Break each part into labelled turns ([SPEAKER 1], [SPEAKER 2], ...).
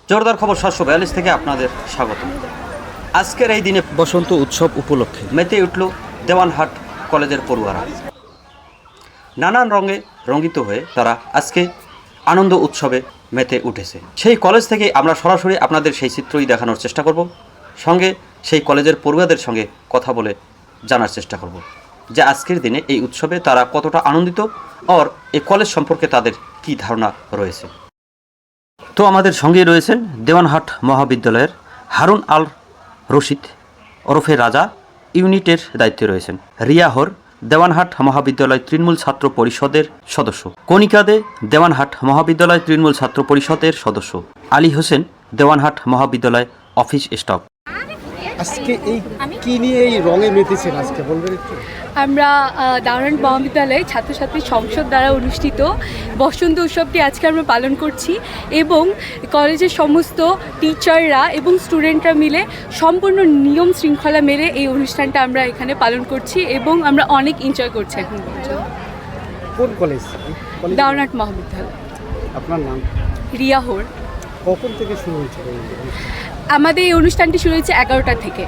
[SPEAKER 1] জোরদার খবর 742 থেকে আপনাদের স্বাগত। আজকের এই দিনে বসন্ত উৎসব উপলক্ষে মেতে উঠল দেওয়ানহাট কলেজের পড়ুয়ারা। নানান রঙে রঙ্গিত হয়ে তারা আজকে আনন্দ উৎসবে মেতে উঠেছে। সেই কলেজ থেকে আমরা সরাসরি আপনাদের সেই চিত্রই দেখানোর চেষ্টা করব, সঙ্গে সেই কলেজের পড়ুয়াদের সঙ্গে কথা বলে জানার চেষ্টা করব যে আজকের দিনে এই উৎসবে তারা কতটা আনন্দিত আর এই কলেজ সম্পর্কে তাদের কি ধারণা রয়েছে। তো আমাদের সঙ্গেই রয়েছেন দেওয়ানহাট মহাবিদ্যালয়ের হারুন আল রশিদ ওরফে রাজা ইউনিটের দায়িত্বে রয়েছেন রিয়া হর, দেওয়ানহাট মহাবিদ্যালয় তৃণমূল ছাত্র পরিষদের সদস্য কণিকা দে, দেওয়ানহাট মহাবিদ্যালয় তৃণমূল ছাত্র পরিষদের সদস্য আলী হোসেন, দেওয়ানহাট মহাবিদ্যালয় অফিস স্টাফ।
[SPEAKER 2] আজকে এই কি নিয়ে এই রঙে মেতেছেন আজকে বলবেন একটু?
[SPEAKER 3] আমরা দেওয়ানহাট মহাবিদ্যালয়ে ছাত্রছাত্রী সংসদ দ্বারা অনুষ্ঠিত বসন্ত উৎসবটি আজকে আমরা পালন করছি এবং কলেজের সমস্ত টিচাররা এবং স্টুডেন্টরা মিলে সম্পূর্ণ নিয়ম শৃঙ্খলা মেনে এই অনুষ্ঠানটা আমরা এখানে পালন করছি এবং আমরা অনেক এনজয় করছি এখন।
[SPEAKER 2] কোন কলেজ?
[SPEAKER 3] দেওয়ানহাট মহাবিদ্যালয়।
[SPEAKER 2] আপনার নাম?
[SPEAKER 3] রিয়া হোর।
[SPEAKER 2] কখন থেকে শুরু হয়েছে?
[SPEAKER 3] আমাদের এই অনুষ্ঠানটি শুরু হয়েছে 11টা থেকে।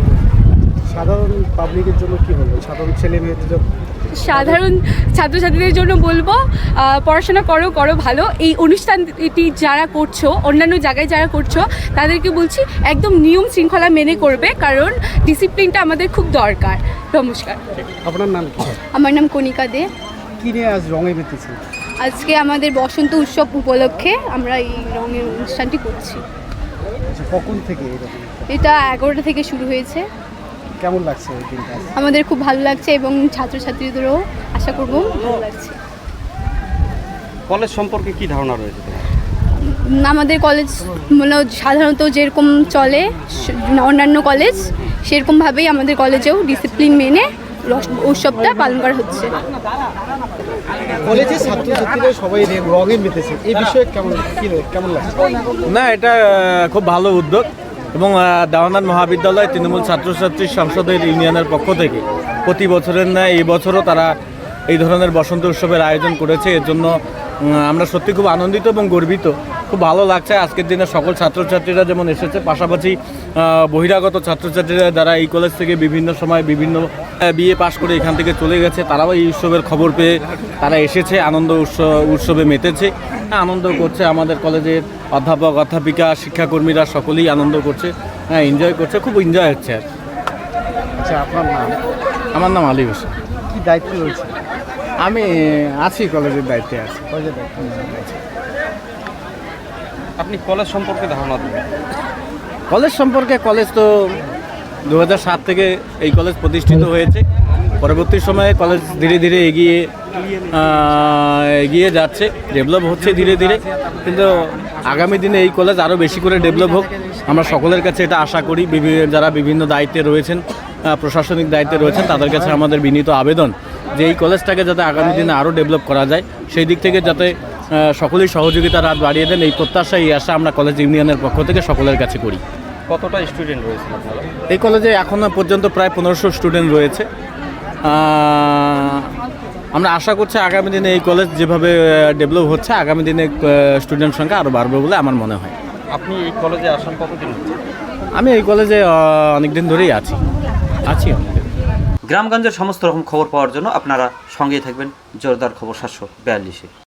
[SPEAKER 2] সাধারণ পাবলিকের জন্য কি বলবো, সাধারণ ছেলে মেয়েদের জন্য?
[SPEAKER 3] সাধারণ ছাত্রছাত্রীদের জন্য বলবো পড়াশোনা করো ভালো। এই অনুষ্ঠানটি যারা করছো, অন্যান্য জায়গায় যারা করছো, তাদেরকে বলছি একদম নিয়ম শৃঙ্খলা মেনে করবে, কারণ ডিসিপ্লিনটা আমাদের খুব দরকার। নমস্কার।
[SPEAKER 2] আপনার নাম কি?
[SPEAKER 4] আমার নাম কণিকা দে।
[SPEAKER 2] কি নিয়ে আজ রঙে মেতেছেন?
[SPEAKER 4] আজকে আমাদের বসন্ত উৎসব উপলক্ষে আমরা এই রঙের অনুষ্ঠানটি করছি।
[SPEAKER 2] আচ্ছা, কখন থেকে এরকম?
[SPEAKER 4] এটা 11টা থেকে শুরু হয়েছে।
[SPEAKER 2] কেমন লাগছে এই দিনটা?
[SPEAKER 4] আমাদের খুব ভালো লাগছে এবং ছাত্রছাত্রীদেরও আশা করব ভালো লাগছে।
[SPEAKER 1] কলেজ সম্পর্কে কি ধারণা রয়েছে?
[SPEAKER 4] আমাদের কলেজ মানে সাধারণত যেরকম চলে অন্যান্য কলেজ, সেরকমভাবেই আমাদের কলেজেও ডিসিপ্লিন মেনে উৎসবটা পালন করা হচ্ছে।
[SPEAKER 2] কলেজের ছাত্রছাত্রীরা সবাই রঙে মেতেছে, এই বিষয়ে কেমন লাগছে?
[SPEAKER 5] না, এটা খুব ভালো উদ্যোগ এবং দেওয়ানহাট মহাবিদ্যালয় তৃণমূল ছাত্রছাত্রী সংসদের ইউনিয়নের পক্ষ থেকে প্রতি বছরের ন্যায় এই বছরও তারা এই ধরনের বসন্ত উৎসবের আয়োজন করেছে। এর জন্য আমরা সত্যি খুব আনন্দিত এবং গর্বিত। খুব ভালো লাগছে আজকের দিনে সকল ছাত্রছাত্রীরা যেমন এসেছে, পাশাপাশি বহিরাগত ছাত্রছাত্রীরা যারা এই কলেজ থেকে বিভিন্ন সময় বিভিন্ন বিএ পাশ করে এখান থেকে চলে গেছে, তারাও এই উৎসবের খবর পেয়ে তারা এসেছে, আনন্দ উৎসবে মেতেছে, আনন্দ করছে। আমাদের কলেজের অধ্যাপক অধ্যাপিকা শিক্ষাকর্মীরা সকলেই আনন্দ করছে, এনজয় করছে, খুব এনজয় হচ্ছে।
[SPEAKER 2] আচ্ছা, আপনার নাম?
[SPEAKER 5] আমার নাম আলী হোসেন।
[SPEAKER 2] কি দায়িত্ব রয়েছে?
[SPEAKER 5] আমি আছি, কলেজের দায়িত্বে আছি।
[SPEAKER 2] কলেজের দায়িত্ব।
[SPEAKER 1] আপনি কলেজ সম্পর্কে ধারণা দেবেন?
[SPEAKER 5] কলেজ সম্পর্কে, কলেজ তো 2007 থেকে এই কলেজ প্রতিষ্ঠিত হয়েছে। পরবর্তী সময়ে কলেজ ধীরে ধীরে এগিয়ে যাচ্ছে, ডেভেলপ হচ্ছে ধীরে ধীরে, কিন্তু আগামী দিনে এই কলেজ আরও বেশি করে ডেভেলপ হোক আমরা সকলের কাছে এটা আশা করি। যারা বিভিন্ন দায়িত্বে রয়েছেন, প্রশাসনিক দায়িত্বে রয়েছেন, তাদের কাছে আমাদের বিনীত আবেদন যে এই কলেজটাকে যাতে আগামী দিনে আরও ডেভেলপ করা যায়, সেই দিক থেকে যাতে সকলেই সহযোগিতার হাত বাড়িয়ে দেন, এই প্রত্যাশা, এই আশা আমরা কলেজ ইউনিয়নের পক্ষ থেকে সকলের কাছে করি।
[SPEAKER 1] কতটা স্টুডেন্ট রয়েছে আপনারা?
[SPEAKER 5] এই কলেজে এখনও পর্যন্ত প্রায় 1500 স্টুডেন্ট রয়েছে। আমরা আশা করছি আগামী দিনে এই কলেজ যেভাবে ডেভেলপ হচ্ছে, আগামী দিনে স্টুডেন্ট সংখ্যা আরও বাড়বে বলে আমার মনে হয়।
[SPEAKER 1] আপনি এই কলেজে আসেন কতদিন হচ্ছে?
[SPEAKER 5] আমি এই কলেজে অনেক দিন ধরেই আছি অনেকদিন।
[SPEAKER 1] গ্রামগঞ্জের সমস্ত রকম খবর পাওয়ার জন্য আপনারা সঙ্গেই থাকবেন জোরদার খবর 742-এ।